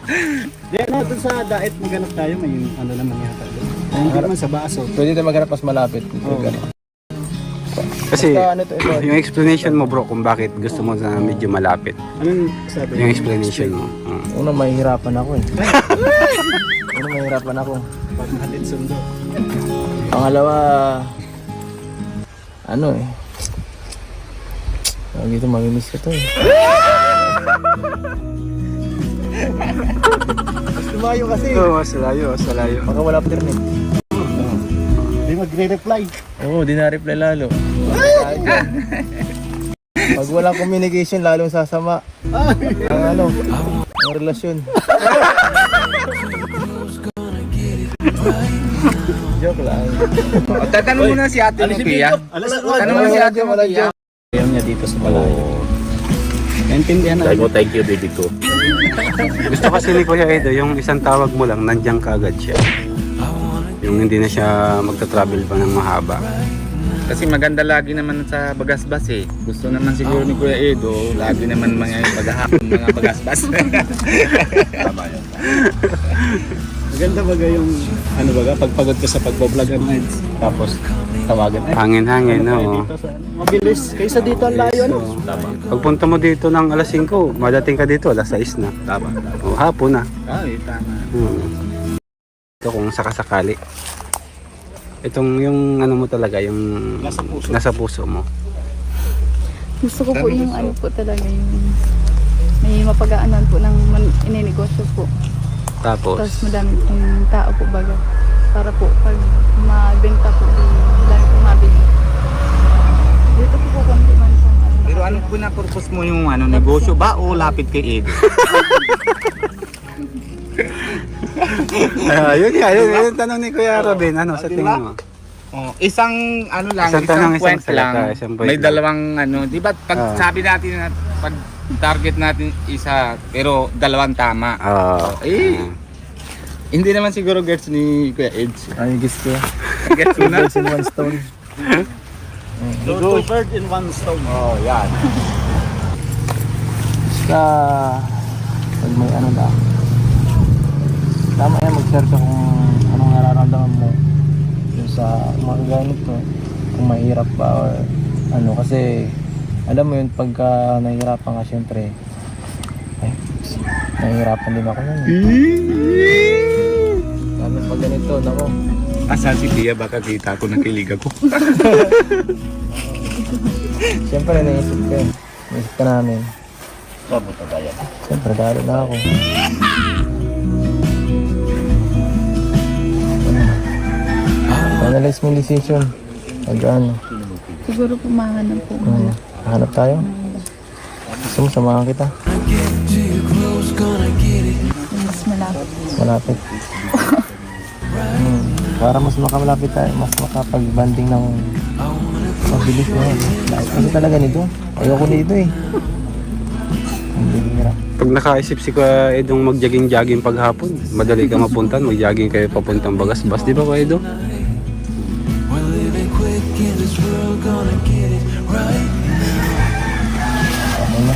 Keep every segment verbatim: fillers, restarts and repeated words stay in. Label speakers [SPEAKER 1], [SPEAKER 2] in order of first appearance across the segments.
[SPEAKER 1] Di ano, dun sa diet maghanap tayo, may ano naman yata doon. Ay, hindi naman sa baso.
[SPEAKER 2] Pwede tayo maghanap mas malapit.
[SPEAKER 1] Oo.
[SPEAKER 3] Kasi
[SPEAKER 2] Basta ano to, ito.
[SPEAKER 3] yung explanation mo bro kung bakit gusto mo na medyo malapit.
[SPEAKER 1] Anong sabi?
[SPEAKER 3] Yung explanation mo. Uh.
[SPEAKER 2] Una, mahihirapan ako eh. Una, mahihirapan ako.
[SPEAKER 1] Pag natin sundo.
[SPEAKER 2] Pangalawa, ano eh. Tawag dito, mamimiss ko to eh. Mas lumayo kasi.
[SPEAKER 3] Oo, mas layo, mas layo.
[SPEAKER 2] Baka wala pa internet.
[SPEAKER 1] Hindi magre-reply.
[SPEAKER 2] Oo, di na-reply lalo. Pag walang communication, lalong sasama. Ang ano, ang relasyon. Joke lang.
[SPEAKER 4] Tatanong mo na si ate mo, Kuya. Tanong mo na si ate mo, Kuya.
[SPEAKER 1] Ayaw niya dito sa malayo. Naintindihan na.
[SPEAKER 4] mo, thank you, baby ko.
[SPEAKER 3] Gusto kasi ni Kuya Edo, yung isang tawag mo lang, nandiyan ka agad siya. Yung hindi na siya magta-travel pa ng mahaba.
[SPEAKER 4] Kasi maganda lagi naman sa bagasbas eh. Gusto naman siguro ni Kuya Edo, lagi naman mga paghahapon mga bagasbas.
[SPEAKER 1] Maganda baga yung, ano baga, pagpagod ka sa pagbablog ano, tapos tawagan. Ay,
[SPEAKER 3] Hangin-hangin,
[SPEAKER 1] ano tayo
[SPEAKER 3] no?
[SPEAKER 1] dito sa- Mabilis. Kaysa dito ang layo, ano?
[SPEAKER 3] Pagpunta mo dito ng alas singko, madating ka dito, alas sais na.
[SPEAKER 4] Tama.
[SPEAKER 3] O, hapon na.
[SPEAKER 4] Ay, tama.
[SPEAKER 3] Hmm. Ito kung sakasakali. Itong yung ano mo talaga, yung
[SPEAKER 1] Nasa puso.
[SPEAKER 3] nasa puso mo.
[SPEAKER 5] Gusto ko po yung ano po talaga yung may mapag-aanan po ng man- ininegosyo po.
[SPEAKER 3] Tapos,
[SPEAKER 5] Tapos madami pong tao po baga. Para po pag mabenta po, di dami po mabili. Dito po po konti man po. Ano,
[SPEAKER 4] Pero ano po na purpose mo yung ano, negosyo ba o lapit kay Edo?
[SPEAKER 3] ayun nga, yun, yun, yung tanong ni Kuya Robin, ano sa tingin mo?
[SPEAKER 4] Oh, isang ano lang,
[SPEAKER 3] Isang
[SPEAKER 4] isang,
[SPEAKER 3] tanong, isang
[SPEAKER 4] point
[SPEAKER 3] salita,
[SPEAKER 4] lang.
[SPEAKER 3] isang point
[SPEAKER 4] May
[SPEAKER 3] lang.
[SPEAKER 4] dalawang ano, 'di ba? Pag
[SPEAKER 3] Ah.
[SPEAKER 4] sabi natin na pag target natin isa, pero dalawang tama.
[SPEAKER 3] Oo.
[SPEAKER 4] Eh, hindi naman siguro gets ni Kuya Eds.
[SPEAKER 2] Ay, guess ko.
[SPEAKER 4] Gets mo na?
[SPEAKER 2] Birds in one stone.
[SPEAKER 1] Go to bird in one stone.
[SPEAKER 4] Oh, yan.
[SPEAKER 2] Basta, pag may ano na, tama yan, mag-share ka kung anong nararamdaman mo yung sa mga ganito, kung mahirap ba or ano, kasi alam mo yun, pagka nahihirapan ka syempre, ay, nahihirapan din ako nun. Lalo pag ganito, nako,
[SPEAKER 4] Asa si Pia, baka kita ko nakilig ako.
[SPEAKER 2] syempre naisip ka eh, naisip ka namin.
[SPEAKER 4] Mabuto ba yan?
[SPEAKER 2] Siyempre, dahil na ako. Analyze mo yung decision. Pag ano,
[SPEAKER 5] siguro po mahanap po.
[SPEAKER 2] hmm, hanap tayo. Gusto mo, samahan kita.
[SPEAKER 5] Yung mas malapit.
[SPEAKER 2] Malapit. hmm, para mas makamalapit tayo, mas makapag-banding ng mabilis na yun. Kasi talaga nito. Ayoko nito eh. Hindi hirap.
[SPEAKER 3] Pag nakaisip si Kuya Edong mag-jogging-jogging paghapon, madali ka mapuntan, mag-jogging kayo papuntang Bagasbas, di ba Kuya Edo?
[SPEAKER 2] Ano na?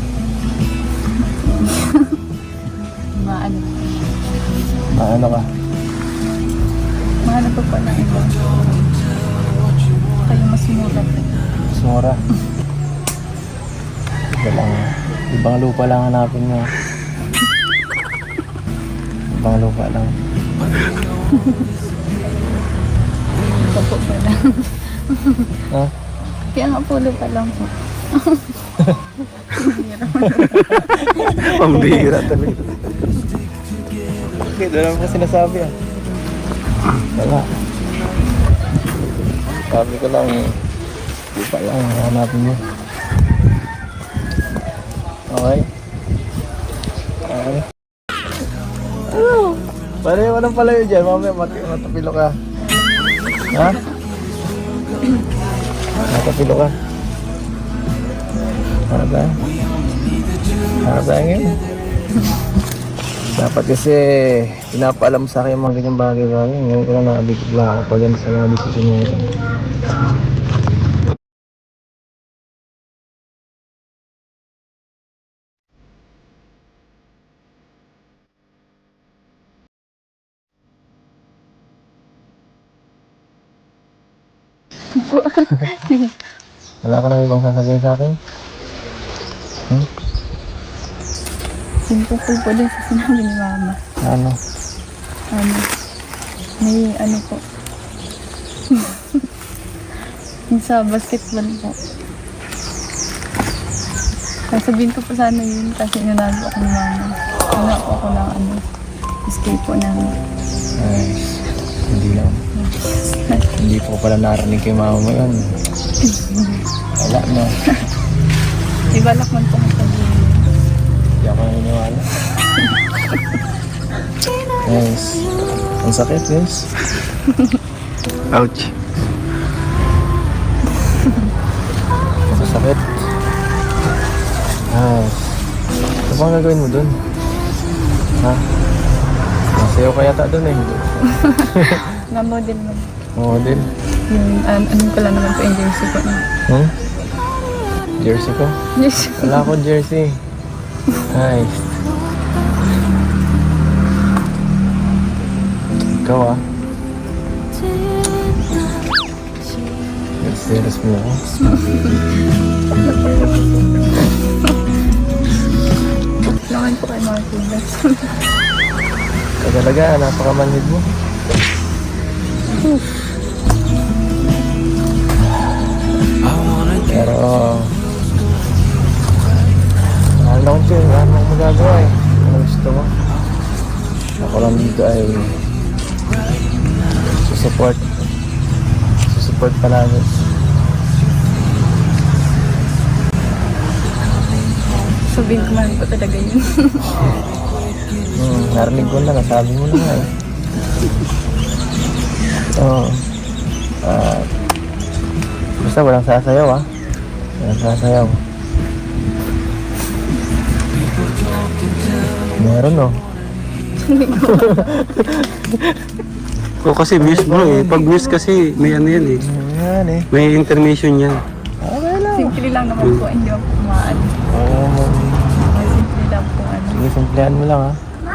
[SPEAKER 5] Maano.
[SPEAKER 2] Maano ka?
[SPEAKER 5] Mahanap po po ng iba. Kayo mas mura po.
[SPEAKER 2] Sumura. Iba lang. Ibang lupa lang hanapin mo. Ibang lupa lang.
[SPEAKER 5] Ito po pa lang.
[SPEAKER 2] Ha?
[SPEAKER 5] Kaya nga pulo pa lang po.
[SPEAKER 3] Pambira talaga.
[SPEAKER 2] Okay, doon naman po sinasabi ah. Wala. Sabi ko lang, lupa lang hanapin mo. Okay? Okay. Pareho ka ng palayo dyan, mamaya mat- matapilo ka. Ha? Matapilo ka. Harap tayo. Harap tayo ngayon. Dapat kasi pinapaalam sa akin yung mga ganyang bagay-bagay. Ngayon ko lang nakabigla ako pag yan sa mga desisyon ngayon.
[SPEAKER 5] po.
[SPEAKER 2] Wala ka na ibang sasabihin sa akin? Hmm?
[SPEAKER 5] Simple po po din sa sinabi ni Mama.
[SPEAKER 2] Ano?
[SPEAKER 5] Ano? May ano po. Yung sa basketball po. Sasabihin ko po sana yun kasi inunado ako ni Mama. Ano po ako ng ano, escape po namin.
[SPEAKER 2] Ay, hindi lang. Hindi po pala narinig kay mama mo yun. Wala na.
[SPEAKER 5] Di balak man po kung sabihin.
[SPEAKER 2] Hindi ako naniniwala. Guys, ang sakit guys.
[SPEAKER 3] Ouch.
[SPEAKER 2] Ang sakit. Ay, ano bang gagawin mo dun? Ha? Masayaw ka yata dun eh.
[SPEAKER 5] Nga model man.
[SPEAKER 2] Model.
[SPEAKER 5] Yung um, anong pala naman po yung jersey ko.
[SPEAKER 2] Hmm? Jersey ko?
[SPEAKER 5] Yes.
[SPEAKER 2] Wala akong jersey. Nice. Ikaw ah. Serious mo ako.
[SPEAKER 5] Lakan po kay mga kulas.
[SPEAKER 2] Ikaw talaga, napakamanhid mo. Pero mahal na kong chill, wala namang magagawa eh. Ano gusto mo? Ako lang dito ay susupport. Susupport palagi.
[SPEAKER 5] Sabihin ko man po talaga yun.
[SPEAKER 2] Hmm, narinig ko na, nasabi mo na nga eh. Oo. Ah, basta walang sasayaw ah. Walang sasayaw. Meron oh.
[SPEAKER 3] O kasi muse bro eh. Pag muse kasi may ano yan eh.
[SPEAKER 2] Ayan eh.
[SPEAKER 3] May intermission yan.
[SPEAKER 2] Okay lang.
[SPEAKER 5] Simple lang naman po, hindi ako kumaan.
[SPEAKER 2] Oo.
[SPEAKER 5] Simple lang po ano.
[SPEAKER 2] Sige, simplihan mo lang ha.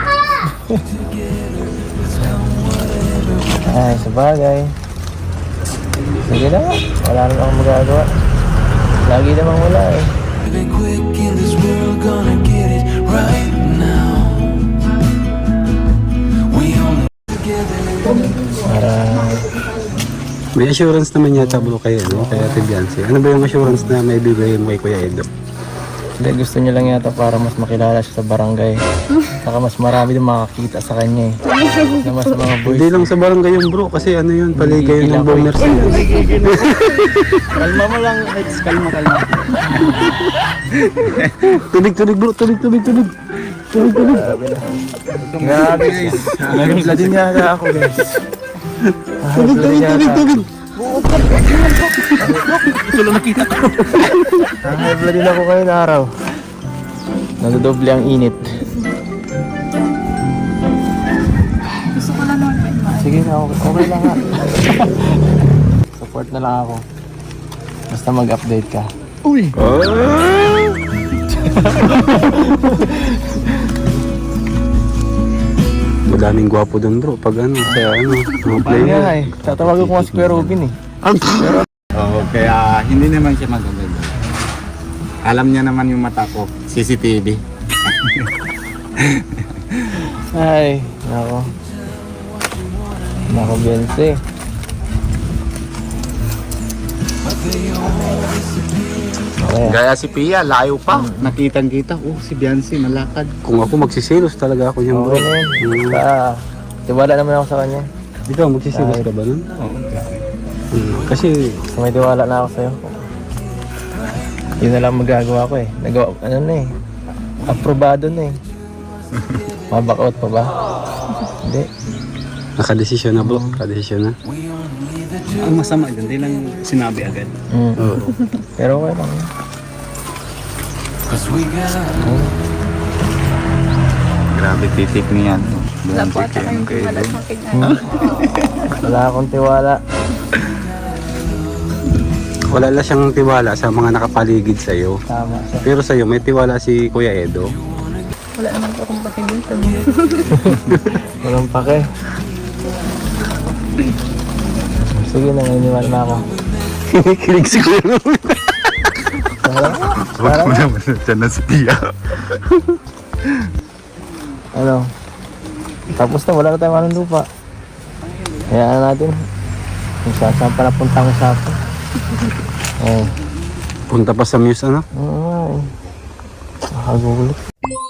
[SPEAKER 2] Ay, sabagay. Sige na, wala naman akong magagawa. Lagi namang wala eh.
[SPEAKER 6] Living quick in this world, gonna get it right now. We only together.
[SPEAKER 2] Para
[SPEAKER 3] May assurance naman yata bro kay ano, kay Ate Biancy. Ano ba yung assurance na may bibigay mo kay Kuya Edo?
[SPEAKER 2] hindi, gusto niya lang yata para mas makilala siya sa barangay. Saka mas marami din makakita sa kanya eh. Na mas mga boys.
[SPEAKER 3] Hindi lang sa barangay yung bro kasi ano yun, paligay
[SPEAKER 2] Hindi
[SPEAKER 3] ng
[SPEAKER 2] lang,
[SPEAKER 3] boomers.
[SPEAKER 1] Kalma mo lang, Eds. Kalma, kalma.
[SPEAKER 3] Tubig, tubig bro, tubig, tubig, tubig. Tubig, tubig.
[SPEAKER 2] Grabe guys. Nagigla din yata ako guys.
[SPEAKER 3] Tubig, tubig, tubig, tubig.
[SPEAKER 2] Nanghabla din ako ngayon araw. Nadodoble ang init.
[SPEAKER 5] Gusto ko lang naman po yung mga.
[SPEAKER 2] Sige na, okay, okay lang ha. Support na lang ako. Basta mag-update ka.
[SPEAKER 1] Uy!
[SPEAKER 3] Madaming gwapo dun bro pag ano, kaya ano, mga
[SPEAKER 2] Ayun
[SPEAKER 3] player.
[SPEAKER 2] nga eh. Tatawagan ko nga si Kuya Robin eh.
[SPEAKER 4] Oo, kaya hindi naman siya maganda. Alam niya naman yung mata ko, C C T V.
[SPEAKER 2] Ay, nako. Nako, Bense. Okay.
[SPEAKER 4] Gaya si Pia, layo pa. Nakitang kita, oh si Biancy malakad.
[SPEAKER 3] Kung ako magsisilos talaga ako niyan bro.
[SPEAKER 2] Okay na yun. Basta, tiwala naman ako sa kanya.
[SPEAKER 3] Ikaw magsisilos ka ba nun?
[SPEAKER 4] Oo,
[SPEAKER 3] Hmm. Kasi
[SPEAKER 2] Basta may tiwala na ako sa'yo. Yun na lang magagawa ko eh. Nagawa, ano na eh. Aprobado na eh. Maback out pa ba? Hindi.
[SPEAKER 3] nakadesisyon na bro, nakadesisyon na.
[SPEAKER 1] Ang masama dyan, hindi lang sinabi agad.
[SPEAKER 2] Mm.
[SPEAKER 3] Oo.
[SPEAKER 2] Pero okay lang.
[SPEAKER 6] Cause we got
[SPEAKER 4] grabe titik niyan.
[SPEAKER 5] Wala po ata kayong wala sa akin. Ano.
[SPEAKER 2] Wala akong tiwala.
[SPEAKER 3] Wala lang siyang tiwala sa mga nakapaligid sa'yo.
[SPEAKER 2] Tama siya.
[SPEAKER 3] Pero sa'yo, may tiwala si Kuya Edo.
[SPEAKER 5] Wala naman po akong pakinggan sa
[SPEAKER 2] Walang pake. Sige na, naniniwala na ako.
[SPEAKER 3] Kinikilig si Kuya Romel.
[SPEAKER 4] Huwag mo naman dyan na si Tia.
[SPEAKER 2] Ano? Tapos na, wala na tayong anong lupa. Hayaan natin. Kung saan saan pa napunta ang usapan. Oh.
[SPEAKER 3] Punta pa sa Muse ano?
[SPEAKER 2] Oo nga eh. Nakagulit.